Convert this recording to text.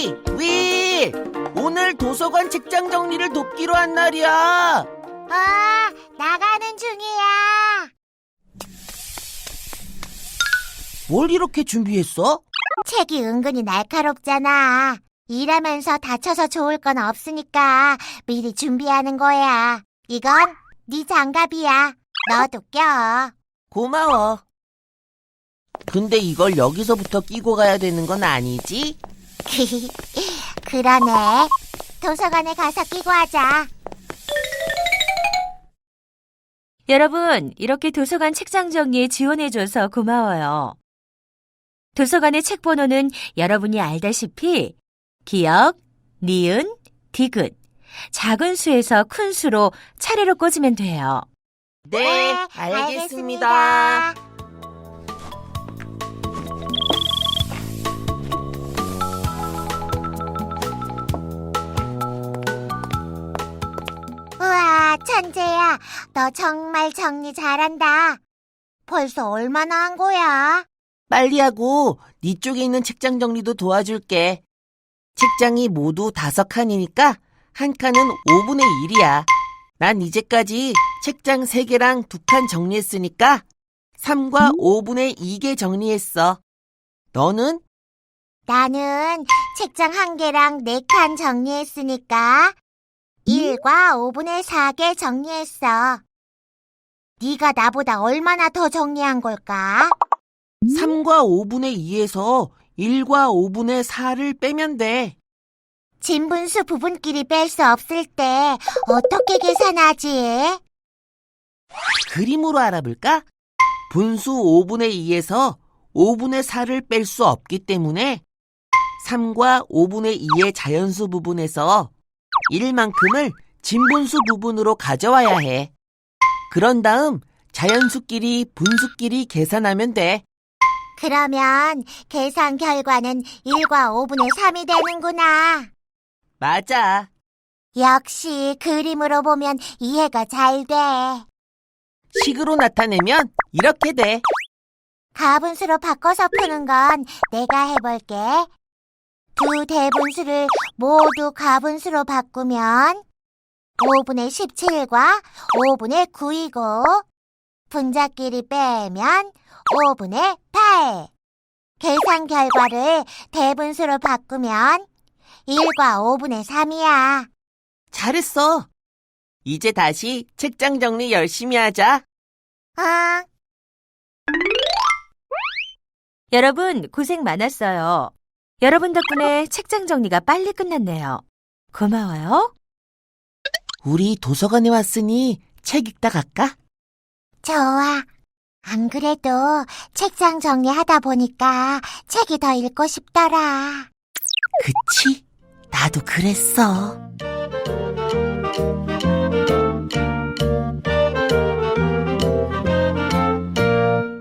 윌! 오늘 도서관 책장 정리를 돕기로 한 날이야. 나가는 중이야. 뭘 이렇게 준비했어? 책이 은근히 날카롭잖아. 일하면서 다쳐서 좋을 건 없으니까 미리 준비하는 거야. 이건 네 장갑이야. 너도 껴. 고마워. 근데 이걸 여기서부터 끼고 가야 되는 건 아니지? 그러네. 도서관에 가서 끼고 하자. 여러분, 이렇게 도서관 책장 정리에 지원해줘서 고마워요. 도서관의 책 번호는 여러분이 알다시피 기역, 니은, 디귿, 작은 수에서 큰 수로 차례로 꽂으면 돼요. 네, 알겠습니다. 우와, 천재야. 너 정말 정리 잘한다. 벌써 얼마나 한 거야? 빨리 하고 네 쪽에 있는 책장 정리도 도와줄게. 책장이 모두 5칸이니까 한 칸은 5분의 1이야. 난 이제까지 책장 3개랑 2칸 정리했으니까 3과 5분의 2개 정리했어. 너는? 나는 책장 1개랑 4칸 정리했으니까 1과 5분의 4개 정리했어. 네가 나보다 얼마나 더 정리한 걸까? 3과 5분의 2에서 1과 5분의 4를 빼면 돼. 진분수 부분끼리 뺄 수 없을 때 어떻게 계산하지? 그림으로 알아볼까? 분수 5분의 2에서 5분의 4를 뺄 수 없기 때문에 3과 5분의 2의 자연수 부분에서 1만큼을 진분수 부분으로 가져와야 해. 그런 다음 자연수끼리 분수끼리 계산하면 돼. 그러면 계산 결과는 1과 5분의 3이 되는구나. 맞아. 역시 그림으로 보면 이해가 잘 돼. 식으로 나타내면 이렇게 돼. 가분수로 바꿔서 푸는 건 내가 해볼게. 두 대분수를 모두 가분수로 바꾸면 5분의 17과 5분의 9이고 분자끼리 빼면 5분의 8. 계산 결과를 대분수로 바꾸면 1과 5분의 3이야. 잘했어. 이제 다시 책장 정리 열심히 하자. 응. 여러분, 고생 많았어요. 여러분 덕분에 책장 정리가 빨리 끝났네요. 고마워요. 우리 도서관에 왔으니 책 읽다 갈까? 좋아. 안 그래도 책장 정리하다 보니까 책이 더 읽고 싶더라. 그치? 나도 그랬어.